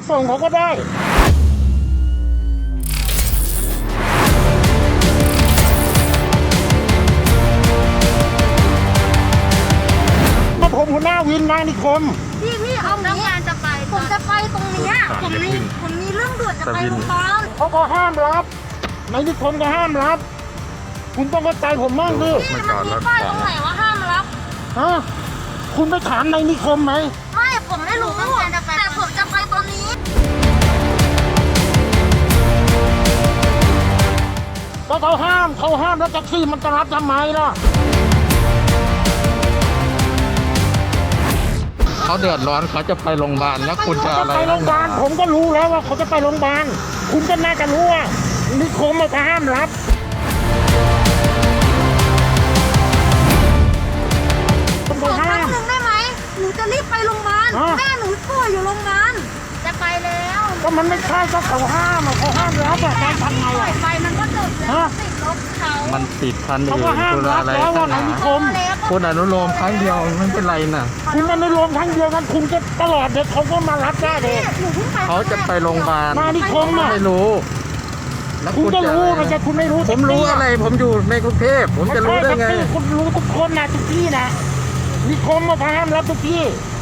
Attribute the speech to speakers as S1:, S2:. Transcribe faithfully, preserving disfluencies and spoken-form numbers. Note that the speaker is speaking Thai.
S1: ส่งเขาก็ได้ก็ผมหัวหน้าวินนายนิคม
S2: พี่พี่เอางี้จะไปผมจะไปตรงเนี้ยผมมีผมมีเรื่องด่วนจะไปโรงพยาบาล
S1: เขาก็ห้ามรับนายนิคมก็ห้ามรับคุณต้องเข้าใจผมมั่งดิ
S2: มันมีป้ายตรงไหนว่าห้ามรับ
S1: ฮะคุณไปถามนายนิคมไหม
S2: ไม่ผมไม่รู้แต่ผมจะไปตอนนี้
S1: ก็เขาห้ามเขาห้ามแล้วแท็กซี่มันจะรับทำไมล่ะ
S3: เขาเดือดร้อนเขาจะไปโรงพยาบาลแล้วคุณจะอะไร
S1: ไปโรงพยาบาลผมก็รู้แล้วว่าเขาจะไปโรงพยาบาลคุณก็น่าจะรู้ว่านิคมมันห้ามรับ
S2: ขอครั้งหนึ่งได้ไหมหนูจะรีบไปโรงพยาบาลแม่หนูป่วยอยู่โรงพยาบาลจะไปแล้ว
S1: ก็มันไม่ใช่ก็เขาห้ามเขาห้ามรับอะการทำไงอะ
S2: ไปมันก็จบแล้วติดรถเขา
S3: มันติดคันอื่น
S1: เขาก็ห้ามรับแล้วว่านายนิคม
S3: คุณอนุโลมครั้งเดียวไม่เป็นไรนะ
S1: คุณอนุโลมครั้งเดียวกันคุณจะตลอดเด็กเขาก็มารับได้เลย
S3: เขาจะไปโรงพยาบาล
S1: นายนิคมอะ
S3: ไม่รู้
S1: คุณก็รู้ไม่ใช่คุณไม่รู้
S3: ผมรู้อะไรผมอยู่ในกรุงเทพผมจะรู้ได้ไง
S1: คุณรู้ทุกคนนะทุกที่นะนิคมมาห้ามรับทุกที่